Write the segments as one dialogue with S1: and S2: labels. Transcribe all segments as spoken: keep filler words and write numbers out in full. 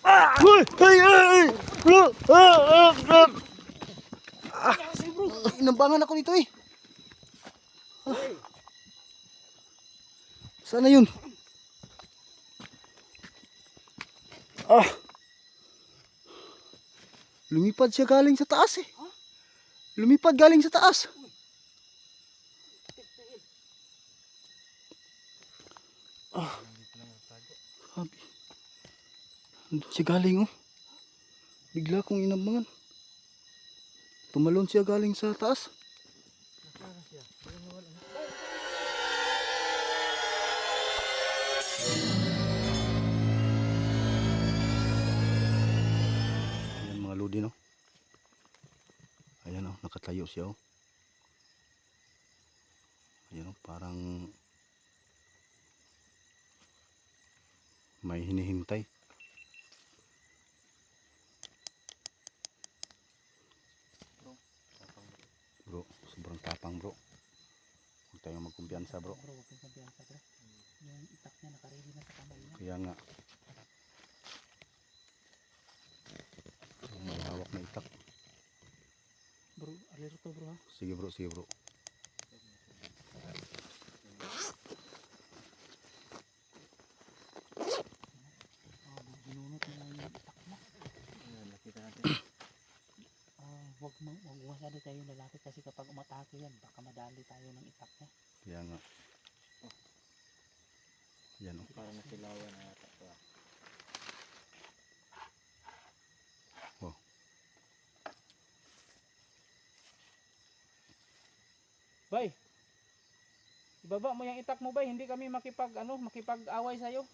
S1: Uy! Ay! Ay! Bro! Ah! Ah! Ah! Ah! Inambangan ako nito eh. Ah. Sana yun? Ah! Lumipad siya galing sa taas eh. Lumipad galing sa taas. Ah. Sabi. Andun siya galing oh. Bigla kong inambangan. Tumalon siya galing sa taas. Ayan mga lodi no. Ayan oh, nakatayo siya oh. Ayan oh, parang may hinihintay. Bro, sobrang tapang bro. Huwag tayong magkumpiyansa bro.
S2: Bro, huwag kang kumpiyansa bro. Yung itak niya nakaready na sa kamay niya.
S1: Kaya nga. May hawak na itak.
S2: Bro, alerto bro ha.
S1: Sige bro, sige bro.
S2: Ah, binunot na yung itak mo.
S3: Ayan, nakita natin.
S2: Ah, wag mo, wag masyado tayo lalapit kasi kapag umatake yan, baka madali tayo ng itak niya.
S1: Kaya nga. Yan oh.
S3: Parang nasilawan na yata ito ah.
S1: Wow.
S2: Bay, ibaba mo yung itak mo bay, hindi kami makipag ano, makipag-away sa'yo.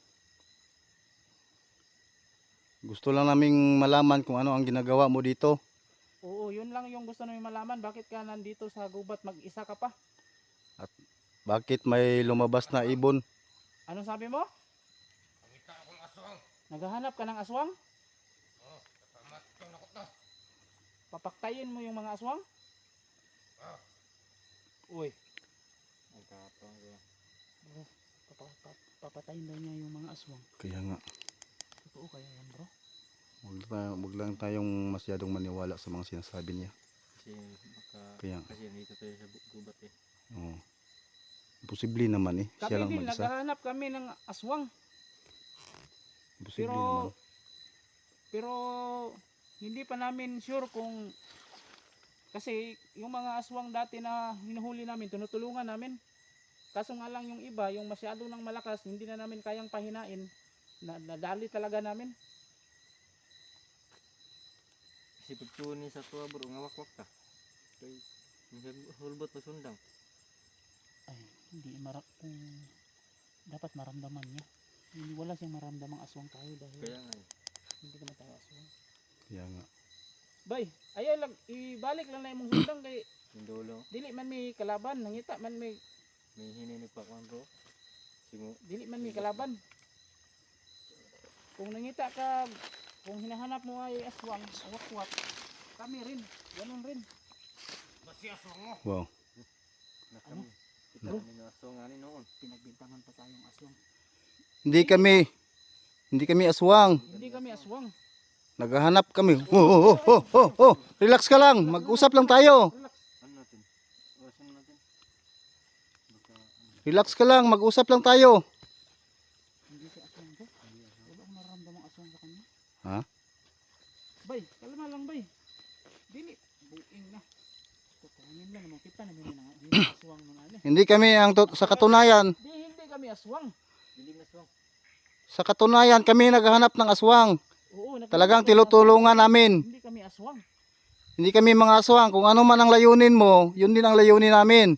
S1: Gusto lang naming malaman kung ano ang ginagawa mo dito.
S2: Oo, yun lang yung gusto namin malaman. Bakit ka nandito sa gubat, mag-isa ka pa?
S1: Bakit may lumabas na ibon?
S2: Ano sabi mo?
S3: Nakita akong aswang.
S2: Naghahanap ka ng aswang?
S3: Oh, kapamat yung nakot na.
S2: Papaktayin mo yung mga aswang?
S3: Ah.
S2: Uy,
S3: Nagkapang ko.
S2: bro, papa, papa, papatayin daw niya yung mga aswang.
S1: Kaya nga.
S2: Totoo kaya yan bro?
S1: Huwag lang, huwag lang tayong masyadong maniwala sa mga sinasabi niya.
S3: Kasi baka,
S1: Kaya.
S3: kasi nandito tayo sa bu- gubat eh.
S1: Oo. Posible naman eh. Siya
S2: Kami
S1: lang
S2: din,
S1: mag-isa.
S2: naghahanap kami ng aswang.
S1: Posible
S2: Pero,
S1: naman.
S2: pero hindi pa namin sure kung, kasi yung mga aswang dati na hinuhuli namin, tinutulungan namin. Kaso nga lang yung iba, yung masyado nang malakas, hindi na namin kayang pahinain. Na, nadali talaga namin.
S3: Kasi pagtuon ni sa tuwa bro, ngawakwak ka. Kaya, hulbot mo sundang.
S2: Ay, hindi marap kung dapat maramdaman niya. Hindi, wala siyang maramdamang aswang tayo dahil
S3: Kaya nga eh.
S2: hindi naman tayo aswang.
S1: Kaya nga.
S2: Bay, ayaw lang, ibalik lang na imong sundang kay
S3: Yung dulo,
S2: dili man may kalaban, nangita man may,
S3: may hininig pa kwan bro. Simu,
S2: dili man may kalaban. Kung nangita ka, kung hinahanap mo ay aswang, awak-wak, kami rin, ganun rin.
S3: basi aswang mo.
S1: Wow.
S3: Nakami. Kita
S2: Bro?
S3: namin yung aswang nga ni noon.
S2: Pinagbintangan pa tayong aswang.
S1: Hindi kami. Hindi kami aswang.
S2: Hindi kami aswang.
S1: Naghahanap kami. Oh, oh, oh, oh, oh, oh. Relax ka lang. Mag-usap lang tayo.
S2: Relax.
S3: Ano natin? Orasan mo natin. Baka, ano.
S1: Relax ka lang. Mag-usap lang tayo.
S2: Hindi si aswang ko. Wala akong nararamdamang aswang sa kanya.
S1: Ha?
S2: Bay, kalma lang bay. Dili, buing na. Tutungin lang naman kita namin yung hindi aswang ng ano.
S1: Hindi kami ang tut- sa katunayan.
S2: Di, hindi kami aswang.
S3: Dilim na aswang.
S1: Sa katunayan kami naghahanap ng aswang.
S2: Oo, naghahanap
S1: Talagang
S2: kami ng
S1: tinutulungan
S2: aswang.
S1: namin.
S2: Hindi kami aswang.
S1: Hindi kami mga aswang. Kung ano man ang layunin mo, yun din ang layunin namin.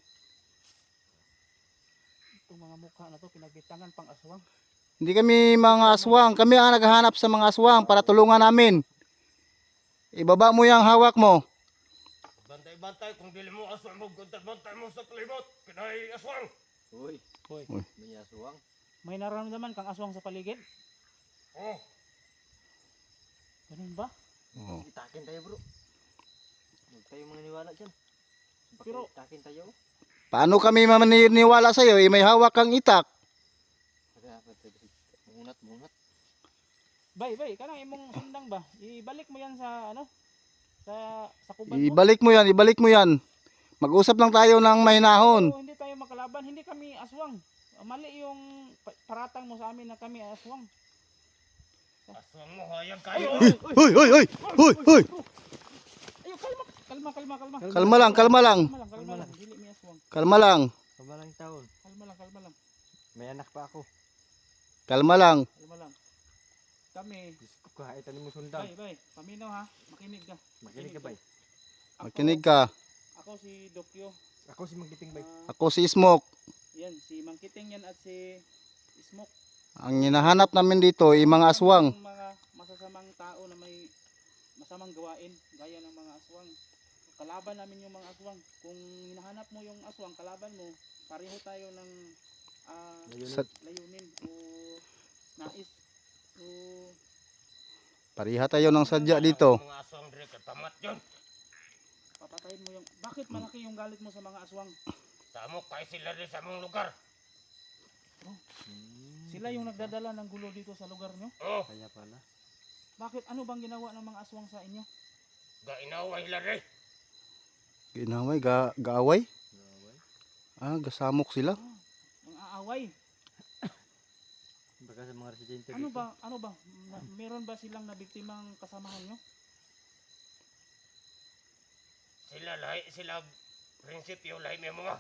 S2: Itong mga mukha na to, pinagbitangan pang aswang.
S1: Hindi kami mga aswang. Kami ang naghahanap sa mga aswang para tulungan namin. Ibaba mo yung hawak mo.
S3: Bantay-bantay kung dili mo aswang mo, bantay mo sa kalimot. Pinay aswang. Uy,
S2: Hoy,
S1: Uy.
S3: may aswang.
S2: may nararamdaman kang aswang sa paligid?
S3: Oh,
S2: Ganun ba?
S1: Oh.
S3: itakin tayo bro. Huwag tayo maniniwala dyan.
S2: Pero-
S3: itakin tayo.
S1: Paano kami maniniwala sa iyo? Eh, may hawak kang itak.
S3: Kaya, munat, munat.
S2: Bay, bay, kanang imong sundang ba? Ibalik mo yan sa ano? Sa sa kuban mo.
S1: Ibalik mo yan, ibalik mo yan. Mag-usap lang tayo ng mahinahon.
S2: Oo, hindi tayo makalaban, hindi kami aswang. Mali yung pa- paratang mo sa amin na kami aswang.
S3: Aswang mo, hayag kayo.
S1: Hoy, hoy, hoy. Hoy, hoy.
S2: Ayo, kalma, kalma, kalma, kalma.
S1: Kalma lang, kalma lang.
S2: Kalma lang, kalma lang. Dili mi aswang.
S1: Kalma lang.
S4: Kabalang taon.
S2: Kalma lang, kalma lang.
S4: May anak pa ako.
S1: Kalma lang.
S2: Kalma lang. Kami,
S4: Diyos ko, kahit mo sundang.
S2: bay, bay, paminaw ha. Makinig ka.
S4: Makinig ka bay.
S2: Ako-
S1: Makinig ka.
S2: Ako si Dokyo.
S4: Ako si Magditing bay.
S2: Ah,
S1: Ako si Smoke.
S2: yan, si Mangkiting yan at si Smoke.
S1: Ang hinahanap namin dito ay mga aswang.
S2: Yung mga masasamang tao na may masamang gawain gaya ng mga aswang. Kalaban namin yung mga aswang. Kung hinahanap mo yung aswang, kalaban mo, pareho tayo ng ah,
S4: Layunin.
S1: Sa-
S2: layunin o nais o
S1: Pariha tayo ng sadya dito.
S3: Ang mga aswang dire kay pamat yun.
S2: papatayin mo yung... Bakit malaki yung galit mo sa mga aswang?
S3: Sa amo kay sila rin sa among lugar.
S4: Hmm,
S2: Sila yung nagdadala ng gulo dito sa lugar nyo?
S3: Oh,
S4: Kaya pala.
S2: Bakit? Ano bang ginawa ng mga aswang sa inyo?
S3: gainaway sila rin.
S1: Ginaway, ga gaaway?
S4: Gaway.
S1: Ah, gasamok sila.
S2: Ah, ang aaway.
S4: Baka sa mga residente
S2: Ano
S4: dito.
S2: ba? Ano ba? Na, meron ba silang nabiktimang kasamahan nyo?
S3: Sila lahi, sila prinsipyo lahi may mga.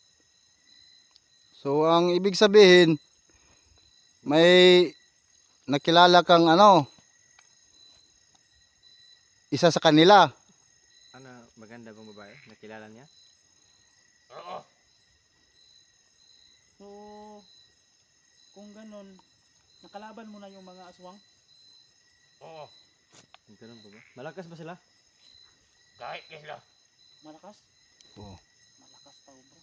S1: So ang ibig sabihin, may nakilala kang ano, isa sa kanila.
S4: Ano, maganda bang babae? Nakilala niya?
S3: Oo,
S2: So, kung ganun, nakalaban mo na yung mga aswang?
S3: oo.
S4: Ganun ba ba? Malakas ba sila?
S3: Kahit kay sila.
S2: Malakas?
S1: Oo.
S2: Malakas tao bro.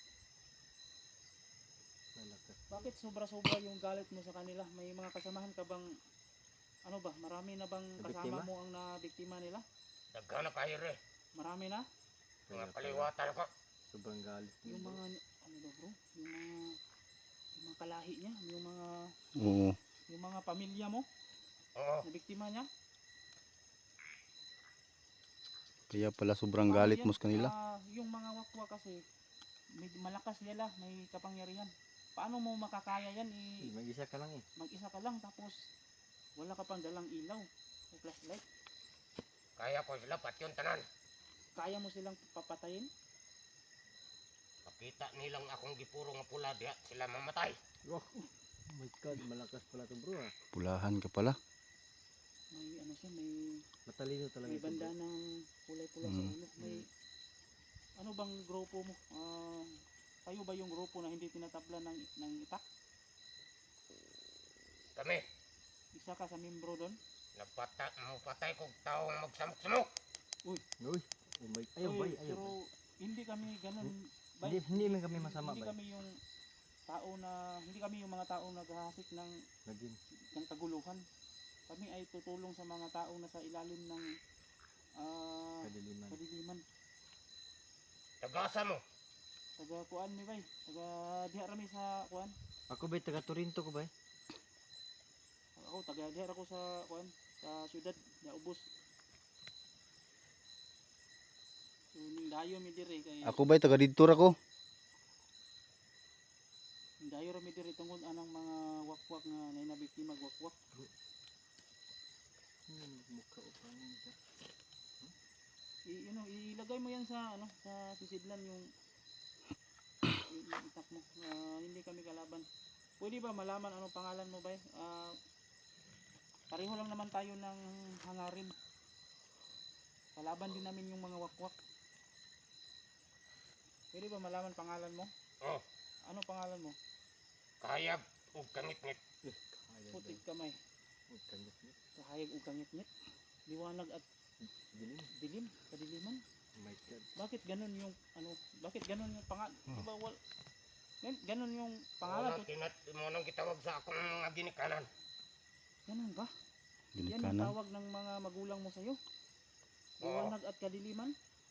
S4: Malakas.
S2: Bakit sobra-sobra yung galit mo sa kanila? May mga kasamahan ka bang, ano ba, marami na bang kasama
S4: Nabiktima?
S2: mo ang nabiktima nila?
S3: Nagkana kayo rin.
S2: Marami na?
S3: Mga
S4: Kaya pala.
S3: kaliwatan ko.
S4: Sobrang galit.
S2: Yung mga, ano ba bro? Yung mga, yung mga kalahi niya, yung mga,
S1: Oo.
S2: yung mga pamilya mo,
S3: Oo.
S2: na biktima niya?
S1: Kaya pala sobrang
S2: Paano
S1: galit
S2: yan?
S1: mo sa kanila.
S2: Ah, yung mga wakwa kasi, may malakas nila, may kapangyarihan. Paano mo makakaya yan?
S4: Eh,
S2: I,
S4: Mag-isa ka lang eh.
S2: mag-isa ka lang tapos wala ka pang dalang ilaw o flashlight.
S3: Kaya ko sila pat yung tanan.
S2: Kaya mo silang papatayin?
S3: Makita nilang akong gipuro nga pula diha sila mamatay.
S4: Oh, oh my god, malakas pala to bro ah.
S1: Pulahan ka pala.
S2: May ano siya, may,
S4: Matalino talaga
S2: may
S4: ito bro.
S2: banda ng kulay-pula sa
S1: Mm.
S2: ulo. May, ano bang grupo mo? Ah, kayo ba yung grupo na hindi tinatabla ng, ng itak?
S3: Kami,
S2: Isa ka sa membro doon?
S3: nagpata, mapatay kong taong magsamok-samok.
S4: Uy, oh my, ayaw
S2: Uy,
S4: bay, ayaw
S2: pero
S4: bay.
S2: hindi kami ganun. bay.
S4: Hindi, hindi man kami masama
S2: Hindi
S4: bay.
S2: kami yung tao na, hindi kami yung mga taong naghahasik ng,
S4: Naging,
S2: ng kaguluhan. Kami ay tutulong sa mga taong nasa ilalim ng ah,
S4: kadiliman.
S2: kadiliman.
S3: Tagasa mo.
S2: Taga kuan mi bay. Taga diha rami sa kuan.
S4: Ako bay, taga Torinto ko bay.
S2: Ako taga diha ako sa kuan sa syudad na ubos. So ning dayo mi dire kay
S1: Ako ba'y taga dito ra ko?
S2: ning dayo ra mi dire tungod anang mga wakwak nga nay nabiktima wakwak.
S4: Hmm, mukha o pangin siya.
S2: I, you know, ilagay mo yan sa ano sa sisidlan yung yung yung itak mo. Ah, hindi kami kalaban. Pwede ba malaman anong pangalan mo ba? Ah, pareho lang naman tayo ng hangarin. Kalaban din namin yung mga wakwak. Pwede ba malaman pangalan mo?
S3: Oh,
S2: Ano pangalan mo?
S3: kayag o kangit-ngit.
S4: Eh, kaya
S2: Putik
S4: bay.
S2: kamay.
S4: Huwag kang gaslit.
S2: Kahayag ug kangit-ngit. Liwanag at
S4: Dilim.
S2: dilim, kadiliman.
S4: Oh my god.
S2: Bakit ganun yung ano? Bakit ganun yung pangalan?
S1: Hmm.
S2: Diba wal gan- ganun yung pangalan?
S3: Pangalan. Tinat mo nang gitawag sa akong mga ginikanan.
S2: Ganun ba? Yan yung
S1: Ginikanan.
S2: tawag ng mga magulang mo sa'yo?
S3: Oo.
S2: Liwanag at kadiliman?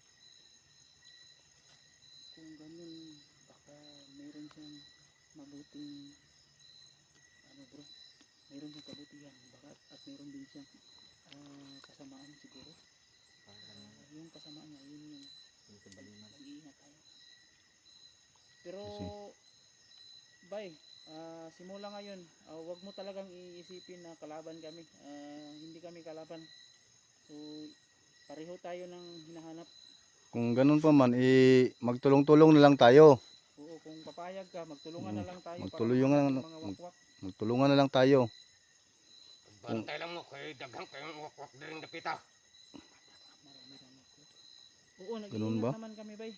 S2: Kung ganun, baka mayroon siyang mabuting ano bro, mayroon siyang kabutihan baka at mayroon siyang ah, kasamaan siguro.
S4: Parang
S2: Ah, yung kasamaan niya, yun yung
S4: yung kabaliman.
S2: mag-iingat tayo. Pero,
S1: Kasi-
S2: bay, ah, simula ngayon, ah, wag mo talagang iisipin na kalaban kami. Ah, hindi kami kalaban. So, pareho tayo ng hinahanap.
S1: Kung ganun pa man, eh, magtulong-tulong na lang tayo.
S2: Oo, kung papayag ka, magtulungan na
S1: Mm,
S2: lang tayo
S1: magtulungan
S2: para
S1: na-
S2: mamatay ang mga wakwak.
S1: Magtulungan na lang tayo.
S3: Bantay lang mo kay daghang kayong wakwak din dapita.
S2: Marami rin ako. Oo,
S1: Ganun
S2: nag-iingat
S1: ba?
S2: naman kami, bay.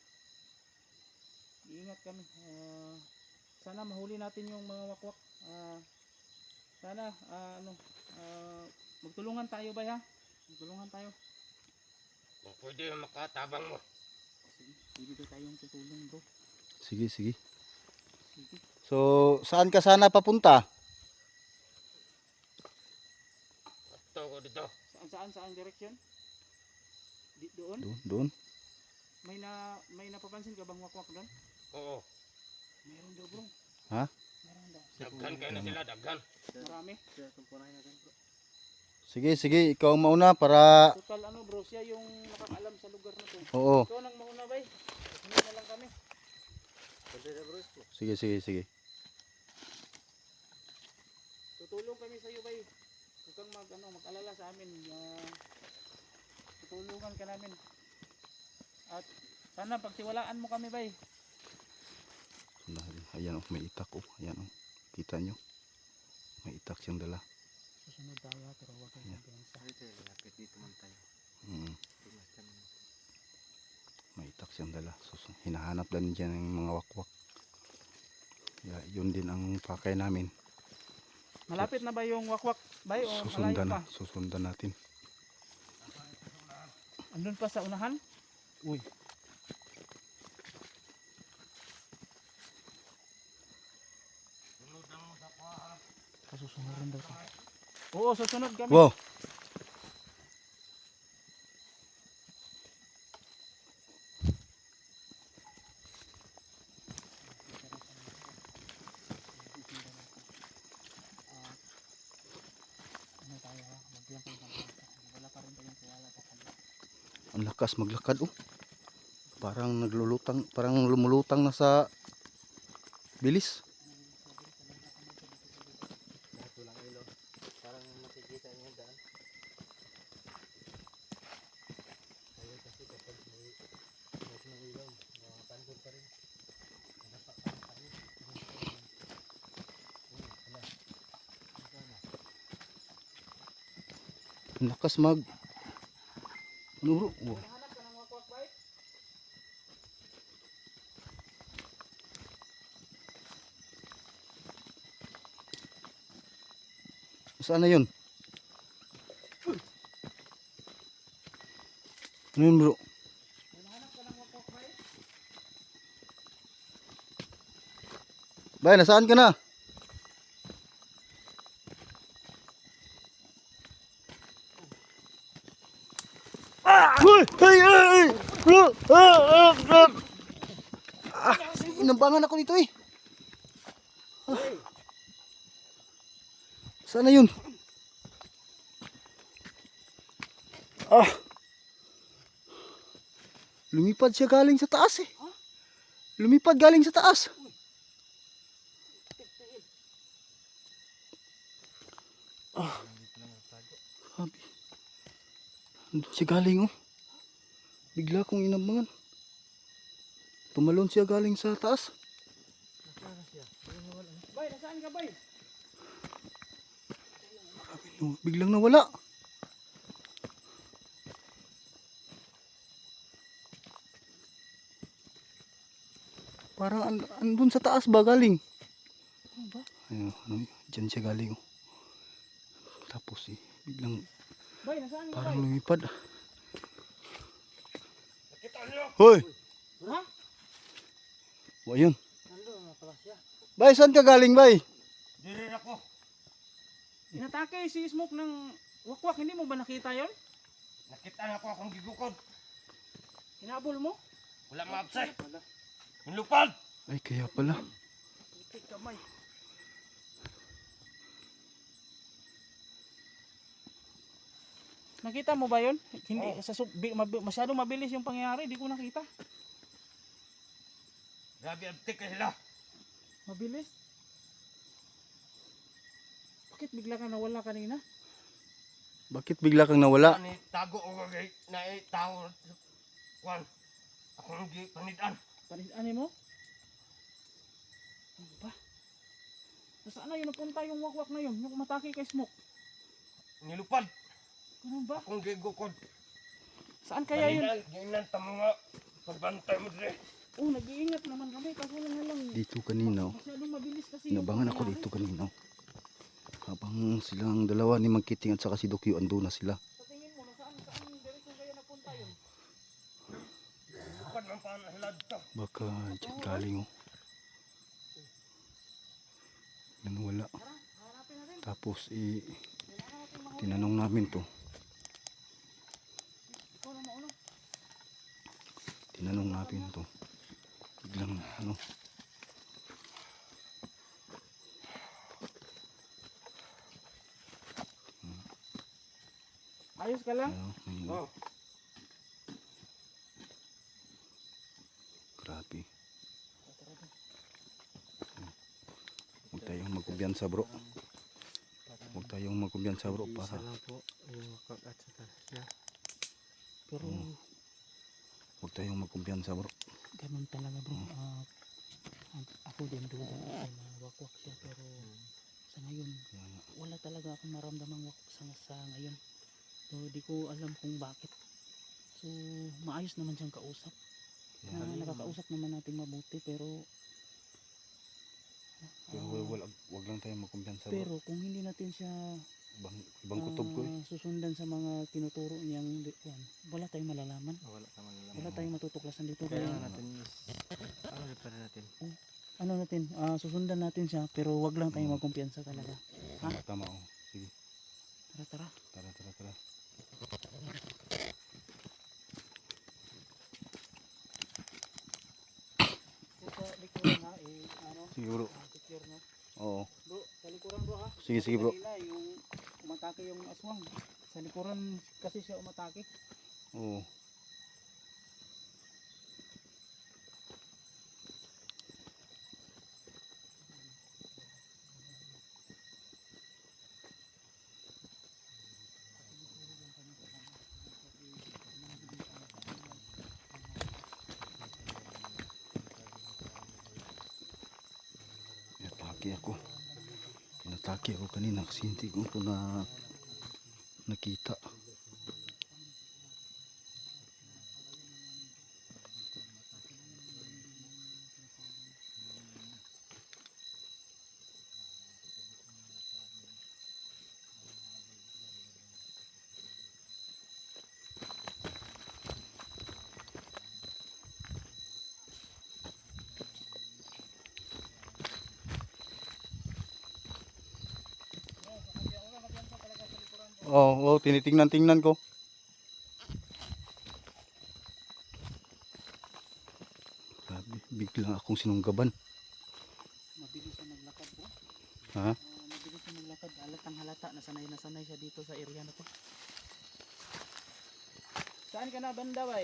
S2: Iingat kami. Ah, sana mahuli natin yung mga wakwak. Ah, sana, ah, ano, ah, magtulungan tayo, bay, ha? Magtulungan tayo.
S3: Kung pwede makatabang mo.
S2: Sige, pwede ba tayong tutulong, bro?
S1: Sige, sige.
S2: Sige.
S1: So, saan ka sana papunta?
S3: Ato ko dito.
S2: Saan, saan, saan direksyon? Di, doon?
S1: Doon, doon.
S2: May na, may napapansin ka bang wakwak doon?
S3: Oo.
S2: Meron daw, bro.
S1: Ha?
S2: Meron daw.
S3: Daghan kayo na sila, daghan.
S2: Marami.
S4: Kaya tumpunahin natin bro.
S1: Sige, sige. Ikaw ang mauna para...
S2: Total ano, bro, siya yung nakakaalam sa lugar na to.
S1: Oo.
S2: Ikaw nang mauna, bay. Sunod na lang kami.
S4: Pwede na bro.
S1: Sige, sige, sige.
S2: Tutulong kami sa iyo, bay. Huwag kang mag, ano, mag-alala sa amin. Uh, tutulungan ka namin. At sana pagtiwalaan mo kami, bay.
S1: Ayan oh, may itak oh. Ayan oh. Kita nyo. May itak siyang dala.
S2: Susunod tayo, pero huwag kang magbilansa.
S4: Dito, lapit dito man tayo.
S1: Mm.
S4: Tumas kami.
S1: May itak siyang dala. Sus, hinahanap din dyan ng mga wakwak. Yeah, yun din ang pakay namin.
S2: Malapit na ba yung wakwak, bay? O malayo
S1: Susundan
S2: pa?
S1: na. Susundan natin.
S2: Andun pa sa unahan? Uy.
S3: Sunod lang mo sa kuha.
S2: Kasusunod daw tayo. Oo, susunod kami.
S1: Wow.
S2: Ah, ano tayo ha? Magbilang kayo ng bata. Wala pa rin tayong tiwala sa kanila.
S1: Ang lakas maglakad oh. Parang naglulutang, parang lumulutang na sa bilis.
S4: Lahat walang ilaw. Parang makikita niya daan. Kaya kasi kapag may lahat ng ilaw, makapandol pa rin. Nadapak pa rin tayo. Ayun, wala. Sana.
S1: Ang lakas mag... Ano bro? Wow.
S2: Hanap ka ng wakwak, bay?
S1: Saan na yun? Ano yun bro?
S2: Hanap ka ng wakwak, bay?
S1: Bay, nasaan ka na? Uy! Ay! Ay! Ah! Ah! Ah! Ah! Inambangan ako nito eh. Ah. Saan na yun? Ah! Lumipad siya galing sa taas eh. Lumipad galing sa taas. Ah.
S4: Dito lang nagtago.
S1: Sabi. Andun siya galing oh. Bigla kong inambangan. Tumalon siya galing sa taas.
S4: Nasaan na siya? Ayun, wala.
S2: Bay, nasaan ka, bay?
S1: No, biglang nawala. Parang and, andun sa taas ba galing?
S2: Ano ba?
S1: Ayun, ano, dyan siya galing oh. Tapos eh, biglang
S2: Bay, nasaan ka,
S1: parang
S2: bay?
S1: lumipad.
S3: Nakita niyo?
S1: Hoy!
S2: Ha?
S1: O ayun.
S4: Nandun na pala siya.
S1: Bay, saan ka galing bay?
S3: Diri ako.
S2: Inatake si Smoke ng wakwak. Hindi mo ba nakita yon?
S3: Nakita na ako akong gigukod.
S2: Hinabol mo?
S3: Wala maabsay. Hinlupad.
S1: Ay, kaya pala.
S2: Itik kamay. Nakita mo ba yun? Hindi,
S3: Oo.
S2: sa, sub- bi- mabi- masyadong mabilis yung pangyayari, di ko nakita.
S3: Grabe antik ka sila.
S2: Mabilis? Bakit bigla ka nawala kanina?
S1: Bakit bigla kang nawala?
S3: Ani tago o kagay na eh, tao. Kwan. Akong gi panidan.
S2: Panidaan mo? Ano ba? Nasaan na yun? Napunta yung wakwak na yun, yung matake kay Smoke.
S3: Nilupad.
S2: Ganun ba?
S3: Akong gigukod.
S2: Saan kaya yun?
S3: Panidan, ginan tamo nga. Pagbantay mo dire.
S2: Oh, nag-iingat naman kami, kaso lang nga lang.
S1: Dito kanina. oh.
S2: Masyadong mabilis kasi yung
S1: Inabangan ako
S2: pangyayari.
S1: dito kanina. oh. Habang silang dalawa ni Magkiting at saka si Dokyo ando na sila.
S2: Sa tingin mo, nasaan, saan direksyon kaya napunta yun?
S3: Lupad man pa na sila dito.
S1: Baka dyan galing oh. Nanwala.
S2: Tara, hanapin natin.
S1: Tapos eh,
S2: Kailangan natin mahuli.
S1: tinanong namin to.
S2: Ikaw na mauna.
S1: Tinanong namin to. Biglang ano.
S2: Ayos ka lang?
S1: ano may-
S3: Oh.
S1: Grabe. Huwag tayong magkumbiyansa bro. Huwag tayong magkumbiyansa bro
S4: Isa
S1: para
S4: lang po yung wakak at saka siya.
S2: Pero
S1: Mm. huwag tayong magkumbiyansa bro.
S2: ganun talaga bro. Ah, a- ako din duda ako na wakwak siya pero sa ngayon
S1: Kaya nga,
S2: wala talaga akong maramdamang wakwak sa, sa ngayon. So di ko alam kung bakit. So maayos naman siyang kausap.
S1: kaya
S2: Na,
S1: nga.
S2: nakakausap naman natin mabuti pero
S1: Pero
S2: ah,
S1: wag, wag, wag lang tayong magkumbiyansa bro.
S2: pero kung hindi natin siya
S1: Ibang, ibang kutob ko eh.
S2: ah, susundan sa mga tinuturo niyang di- yan, wala tayong malalaman.
S4: Wala naman lang.
S2: Wala tayong matutuklasan dito.
S4: Kaya
S2: Kaya
S4: natin is ano pa natin.
S2: ano natin, ah, susundan natin siya pero wag lang tayong
S1: Mm.
S2: magkumpiyansa talaga.
S1: Tama, tama oh. Sige,
S2: Tara tara.
S1: tara tara tara.
S2: Sa likuran ha, eh, ano,
S1: Sige bro.
S2: ah, secure no.
S1: Oo.
S2: Bro, sa likuran bro ha.
S1: Sige, sige, bro.
S2: Kanina, yung umatake yung aswang. Sa likuran kasi siya umatake.
S1: Oo. Inatake ako. Inatake ako kanina kasi hindi ko ito na nakita. Oo, oh, oh, tinitingnan-tingnan ko. Grabe, bigla akong sinunggaban.
S2: Mabilis siya maglakad bro.
S1: Ha?
S2: Ah, mabilis siya maglakad. Halatang halata na sanay na sanay siya dito sa area na to. Saan ka na banda bay?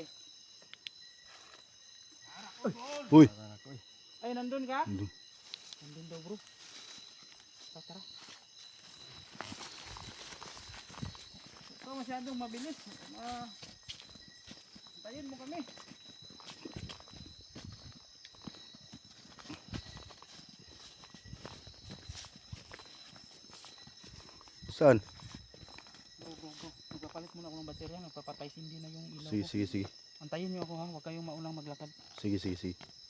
S1: Uy!
S4: Para ko eh.
S2: Ay nandun ka?
S1: Nandun.
S2: Nandun daw bro. Tara tara. Ito masyadong mabilis. Ah, tayin mo kami.
S1: Saan?
S2: Bro bro bro. Magpapalit muna ako ng baterya. Nagpapatay sindi na yung ilaw
S1: Sige,
S2: ko.
S1: sige, sige.
S2: Antayin niyo ako ha. Huwag kayong maunang maglakad.
S1: Sige, sige, sige.